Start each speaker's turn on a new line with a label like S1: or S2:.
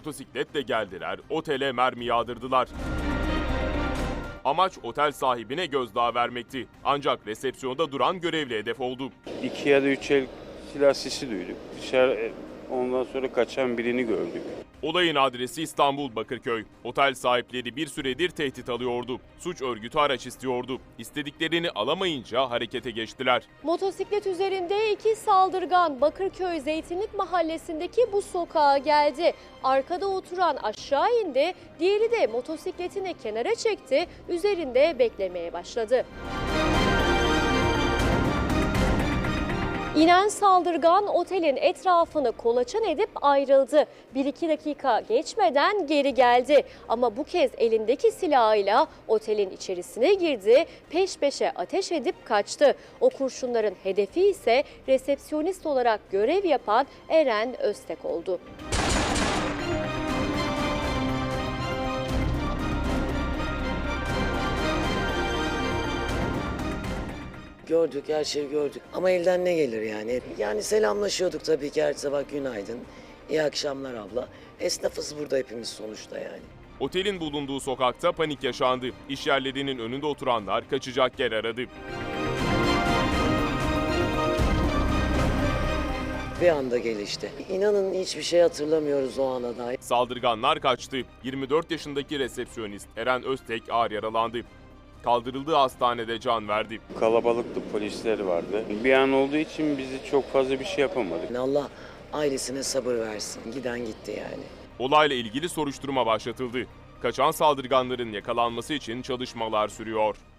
S1: motosikletle geldiler, otele mermi yağdırdılar. Amaç otel sahibine gözdağı vermekti. Ancak resepsiyonda duran görevli hedef oldu.
S2: 2 ya da 3 el silah sesi duyduk. Dışarı ondan sonra kaçan birini gördük.
S1: Olayın adresi İstanbul Bakırköy. Otel sahipleri bir süredir tehdit alıyordu. Suç örgütü araç istiyordu. İstediklerini alamayınca harekete geçtiler.
S3: Motosiklet üzerinde 2 saldırgan Bakırköy Zeytinlik Mahallesi'ndeki bu sokağa geldi. Arkada oturan aşağı indi, diğeri de motosikletini kenara çekti, üzerinde beklemeye başladı. İnen saldırgan otelin etrafını kolaçan edip ayrıldı. 1-2 dakika geçmeden geri geldi. Ama bu kez elindeki silahıyla otelin içerisine girdi, peş peşe ateş edip kaçtı. O kurşunların hedefi ise resepsiyonist olarak görev yapan Eren Öztek oldu.
S4: Gördük, her şeyi gördük. Ama elden ne gelir yani? Yani selamlaşıyorduk tabii ki her sabah günaydın. İyi akşamlar abla. Esnafız burada hepimiz sonuçta yani.
S1: Otelin bulunduğu sokakta panik yaşandı. İş yerlerinin önünde oturanlar kaçacak yer aradı.
S4: Bir anda gelişti. İnanın hiçbir şey hatırlamıyoruz o ana dair.
S1: Saldırganlar kaçtı. 24 yaşındaki resepsiyonist Eren Öztek ağır yaralandı. Kaldırıldığı hastanede can verdi.
S2: Kalabalıktı, polisler vardı. Bir an olduğu için bizi çok fazla bir şey yapamadık.
S4: Allah ailesine sabır versin. Giden gitti yani.
S1: Olayla ilgili soruşturma başlatıldı. Kaçan saldırganların yakalanması için çalışmalar sürüyor.